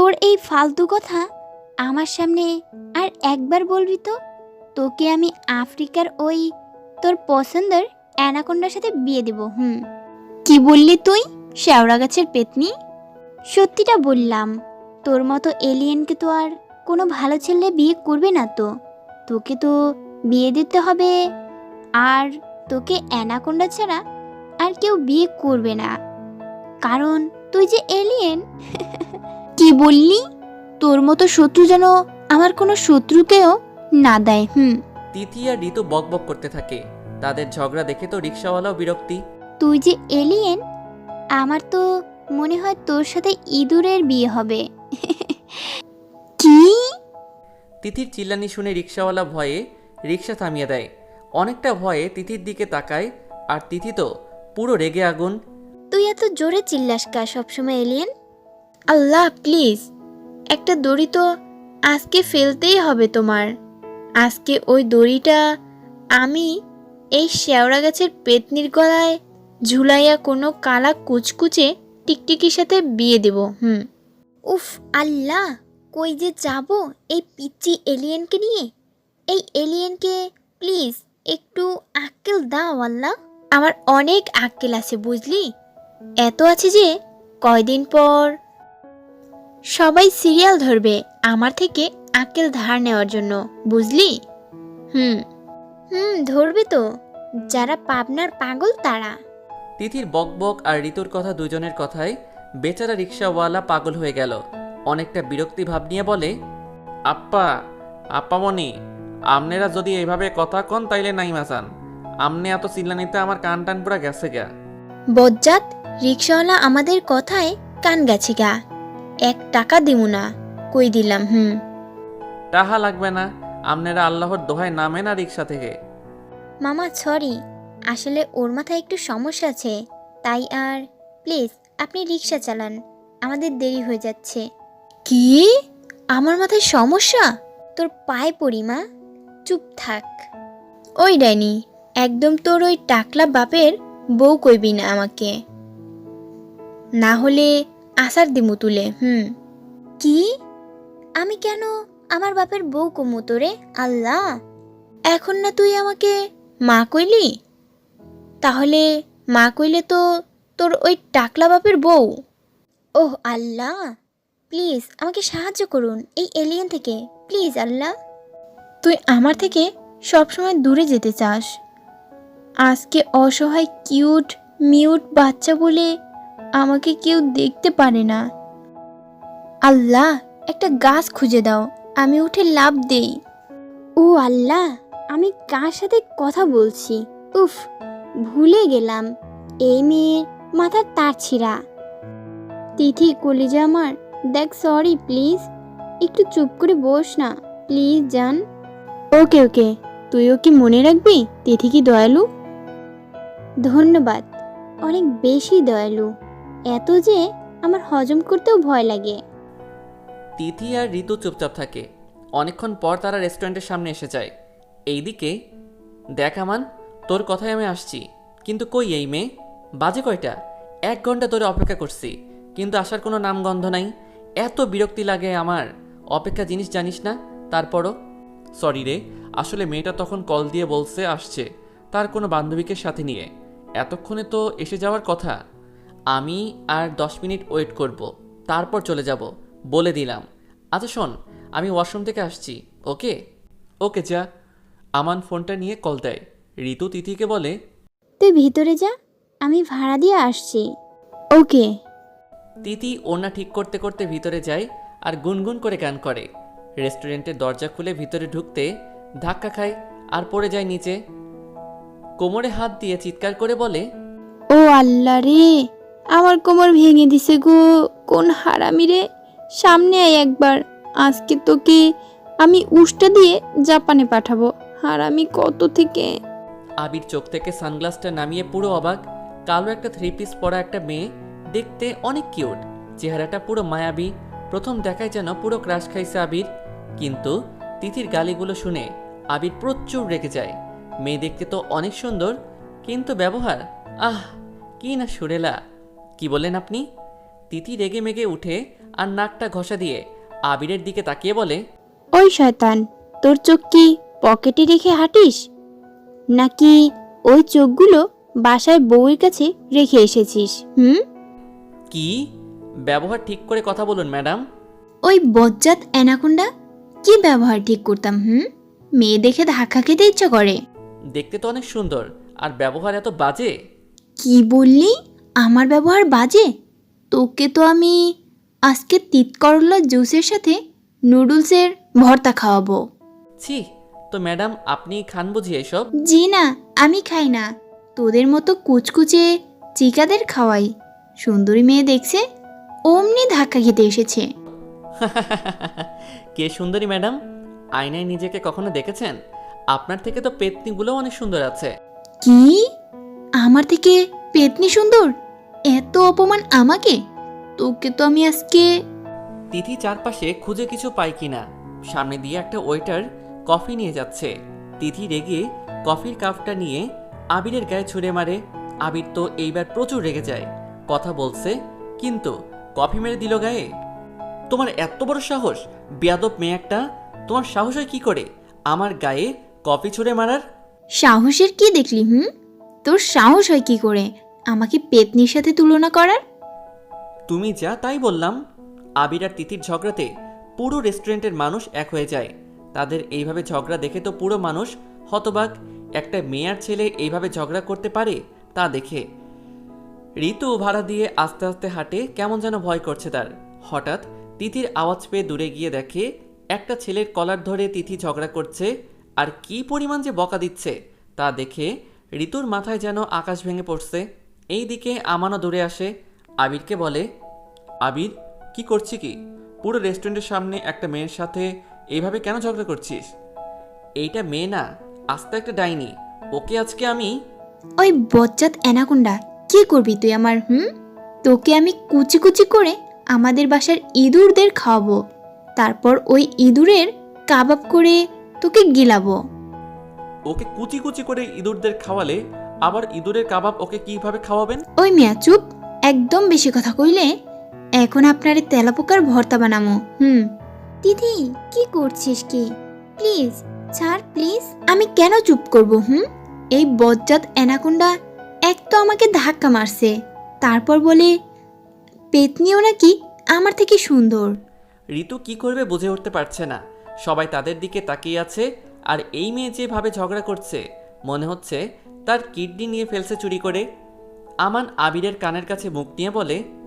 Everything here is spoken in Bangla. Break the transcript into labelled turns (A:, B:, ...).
A: তোর এই ফালতু কথা আমার সামনে আর একবার বলবি তো, তোকে আমি আফ্রিকার ওই তোর পছন্দের অ্যানাকোন্ডার সাথে বিয়ে দেব। কি বললি তুই, শেওড়া গাছের পেতনি? সত্যিটা বললাম, তোর মতো এলিয়েনকে তো আর কোনো ভালো ছেলে বিয়ে করবে না। তো তোকে তো বিয়ে দিতে হবে, আর তোকে অ্যানাকোন্ডা ছাড়া আর কেউ বিয়ে করবে না, কারণ তুই যে এলিয়েন। কি বললি? তোর মতো শত্রু যেন আমার কোনো শত্রুকেও না দেয়।
B: তিথি আর ঋতু বকবক করতে থাকে। তাদের ঝগড়া দেখে তো রিক্সাওয়ালাও বিরক্তি।
A: তুই যে এলিয়েন, আমার তো মনে হয় তোর সাথে ইঁদুরের বিয়ে হবে। কি?
B: তিথির চিল্লানি শুনে রিক্সাওয়ালা ভয়ে রিক্সা থামিয়ে দেয়। অনেকটা ভয়ে তিথির দিকে তাকায়, আর তিথি তো পুরো রেগে আগুন।
A: তুই এত জোরে চিল্লাস কা সবসময় এলিয়েন? আল্লাহ প্লিজ, একটা দড়ি তো আজকে ফেলতেই হবে তোমার। আজকে ওই দড়িটা আমি এই শেওড়া গাছের পেতনির গলায় ঝুলাইয়া কোনো কালা কুচকুচে টিকটিকির সাথে বিয়ে দেব। উফ আল্লাহ, কই যে যাব এই পিচ্চি এলিয়েনকে নিয়ে। এই এলিয়েনকে প্লিজ একটু আক্কেল দাও আল্লাহ। আমার অনেক আক্কেল আছে বুঝলি, এত আছে যে কয়দিন পর সবাই সিরিয়াল ধরবে আমার থেকে আক্কেল ধার নেওয়ার জন্য, বুঝলি? ধরবে তো, যারা পাবনার পাগল তারা।
B: তিথির বকবক আর ঋতুর কথা দুজনের কথায় বেচারা রিক্সাওয়ালা পাগল হয়ে গেল। অনেকটা বিরক্তি ভাব নিয়ে বলে, আপ্পা আপ্পামণি, আমনেরা যদি এইভাবে কথা কন তাইলে নাই মাসান। আমনে এত চিল্লানিতে আমার কান টান পুরা গেছে গা।
A: বজ্জাত, রিক্সাওয়ালা আমাদের কথায় কান গেছে গা। 1 টাকা দিমু না, কই দিলাম।
B: টাহা লাগবে না, আমনেরা আল্লাহর দোহায় নামে না রিক্সা থেকে।
A: মামা সরি, আসলে ওর মাথায় একটু সমস্যা আছে, তাই। আর প্লিজ আপনি রিক্সা চালান, আমাদের দেরি হয়ে যাচ্ছে। কি? আমার মাথায় সমস্যা? তোর পায়ে পড়ি মা, চুপ থাক। ওই ডাইনি, একদম তোর ওই টাকলা বাপের বউ কইবি না আমাকে, না হলে আসার দিমু তুলে। কি? আমি কেন আমার বাপের বউ কমু তোরে? আল্লাহ, এখন না তুই আমাকে মা কইলি, তাহলে মা কইলে তো তোর ওই টাকলা বাপের বউ। ওহ আল্লাহ, প্লিজ আমাকে সাহায্য করুন এই এলিয়েন থেকে, প্লিজ আল্লাহ। তুই আমার থেকে সবসময় দূরে যেতে চাস, আজকে অসহায় কিউট মিউট বাচ্চা বলে আমাকে কেউ দেখতে পারে না। আল্লাহ, একটা গাছ খুঁজে দাও, আমি উঠে লাফ দেই। ও আল্লাহ, আমি কার সাথে কথা বলছি? উফ, ভুলে গেলাম এই মেয়ের মাথার তার ছিঁড়া। তিথি কলিজা আমার, দেখ সরি প্লিজ, একটু চুপ করে বস না প্লিজ জান। ওকে ওকে, তুইও কি মনে রাখবি তিথি কি দয়ালু? ধন্যবাদ, অনেক বেশি দয়ালু, এত যে আমার হজম করতেও ভয় লাগে।
B: তিথি আর ঋতু চুপচাপ থাকে। অনেকক্ষণ পর তারা রেস্টুরেন্টের সামনে এসে যায়। এইদিকে দেখ আমান, তোর কথায় আমি আসছি, কিন্তু কই এই মেয়ে? বাজে কয়টা? 1 ঘন্টা ধরে অপেক্ষা করছি, কিন্তু আসার কোনো নামগন্ধ নাই। এত বিরক্তি লাগে আমার। অপেক্ষা জিনিস জানিস না? তারপরও সরি রে, আসলে মেয়েটা তখন কল দিয়ে বলছে আসছে তার কোনো বান্ধবীকে সাথে নিয়ে। এতক্ষণে তো এসে যাওয়ার কথা। আমি আর 10 মিনিট ওয়েট করব, তারপর চলে যাব বলে দিলাম। আচ্ছা শোন, আমি ওয়াশরুম থেকে আসছি। ওকে ওকে যা। আমান ফোনটা নিয়ে কল দেয়। ঋতু তিথিকে বলে,
A: তুই ভিতরে যা, আমি ভাড়া দিয়ে আসছি। ওকে।
B: তিথি ওড়না ঠিক করতে করতে ভিতরে যায় আর গুনগুন করে গান করে। রেস্টুরেন্টের দরজা খুলে ভিতরে ঢুকতে ধাক্কা খায় আর পড়ে যায় নিচে। কোমরে হাত দিয়ে চিৎকার করে বলে,
A: ও আল্লাহ রে, আমার কোমর ভেঙে দিছে গো, কোন হারামি রে! সামনে আয় একবার, আজকে তোকে আমি উষ্টা দিয়ে জাপানে পাঠাবো, হারামি কত থেকে।
B: আবির চোখ থেকে সানগ্লাসটা নামিয়ে পুরো অবাক। কালো একটা 3 পিস পরা একটা মেয়ে, দেখতে অনেক কিউট, চেহারাটা পুরো মায়াবী। প্রথম দেখায় যেন পুরো ক্রাশ খাইছে আবির। কিন্তু তিথির গালিগুলো শুনে আবির প্রচুর রেগে যায়। মেয়ে দেখতে তো অনেক সুন্দর, কিন্তু ব্যবহার, আহ কি না সুরেলা। কি বলেন আপনি? তিথি রেগে মেগে উঠে আর নাকটা ঘষা দিয়ে আবিরের দিকে তাকিয়ে বলে,
A: ওই শয়তান, তোর চোখ কি পকেটে রেখে হাঁটিস, নাকি ওই চোখগুলো বাসায় বউয়ের কাছে রেখে এসেছিস?
B: কি? ব্যবহার ঠিক করে কথা বলুন ম্যাডাম।
A: ওই বজ্জাত অ্যানাকোন্ডা, কি ব্যবহার ঠিক করতাম? মেয়ে দেখে ধাক্কা খেতে ইচ্ছা করে।
B: দেখতে তো অনেক সুন্দর, আর ব্যবহার এত বাজে।
A: কি বললি? আমার ব্যবহার বাজে? তোকে তো আমি আজকে তিত করলা জুসের সাথে নুডলসের ভর্তা খাওয়াবো।
B: ছি, তো ম্যাডাম আপনি খান বুঝি এসব?
A: জি না, আমি খাই না, তোদের মতো কুচকুচে চিকাদের খাওয়াই। সুন্দরী মেয়ে দেখছে, অমনি ধাক্কা খেতে এসেছে।
B: কে সুন্দরী ম্যাডাম? আয়নায় নিজেকে কখনো দেখেছেন? আপনার থেকে তো পেতনিগুলো অনেক সুন্দর আছে।
A: কি? আমার থেকে পেতনি সুন্দর? এত অপমান আমাকে? তোকে তো আমি আজকে...
B: তিথি চারপাশে খুঁজে কিছু পায় কিনা। সামনে দিয়ে একটা ওয়েটার কফি নিয়ে যাচ্ছে। তিথি রেগে কফির কাপটা নিয়ে আবিরের গায়ে ছুঁড়ে মারে। আবির তো এইবার প্রচুর রেগে যায়। কথা বলছে, কিন্তু কফি মেরে দিল গায়ে। তোমার এত বড় সাহস, বেয়াদব মেয়ে একটা! তোমার সাহস হয় কি করে আমার গায়ে কফি ছুঁড়ে মারার?
A: সাহসের কি দেখলি? তোর সাহস হয় কি করে আমাকে পেতনির সাথে তুলনা করার?
B: তুমি যা তাই বললাম। আবির আর তিথির ঝগড়াতে পুরো রেস্টুরেন্টের মানুষ এক হয়ে যায়। তাদের এইভাবে ঝগড়া দেখে তো পুরো মানুষ হতবাক। একটা মেয়ে আর ছেলে এইভাবে ঝগড়া করতে পারে তা দেখে। ঋতু ভাড়া দিয়ে আস্তে আস্তে হাঁটে, কেমন যেন ভয় করছে তার। হঠাৎ তিথির আওয়াজ পেয়ে দূরে গিয়ে দেখে একটা ছেলের কলার ধরে তিথি ঝগড়া করছে, আর কি পরিমাণ যে বকা দিচ্ছে তা দেখে ঋতুর মাথায় যেন আকাশ ভেঙে পড়ছে। এই দিকে আমানও দূরে আসে, আবিরকে বলে, আবির, কি করছি কি? পুরো রেস্টুরেন্টের সামনে একটা মেয়ের সাথে এইভাবে কেন ঝগড়া করছিস? এইটা মেয়ে না, আস্তে একটা ডাইনি। ওকে আজকে আমি...
A: ওই বজ্জাত অ্যানাকোন্ডা, কি করবি তুই আমার? তোকে আমি কুচি কুচি করে আমাদের বাসার ইঁদুরদের খাওয়াবো, তারপর ওই ইঁদুরের কাবাব করে তোকে গিলাবো।
B: ওকে কুচি কুচি করে ইঁদুরদের খাওয়ালে আবার ইঁদুরের কাবাব ওকে কিভাবে খাওয়াবেন?
A: ওই মিয়া চুপ, একদম বেশি কথা কইলে এখন আপনারে তেলাপোকার ভর্তা বানামো। দিদি, কি করছিস কি? প্লিজ ছাড়, প্লিজ। আমি কেন চুপ করব? এই বজ্জাত অ্যানাকোন্ডা এক তো আমাকে ধাক্কা মারছে, তারপর বলে পেতনিও নাকি আমার থেকে সুন্দর।
B: ঋতু কি করবে বুঝে উঠতে পারছে না। সবাই তাদের দিকে তাকিয়ে আছে, আর এই মেয়ে যেভাবে ঝগড়া করছে মনে হচ্ছে তার কিডনি নিয়ে ফেলছে চুরি করে। আমান আবিরের কানের কাছে মুখ নিয়ে বলে,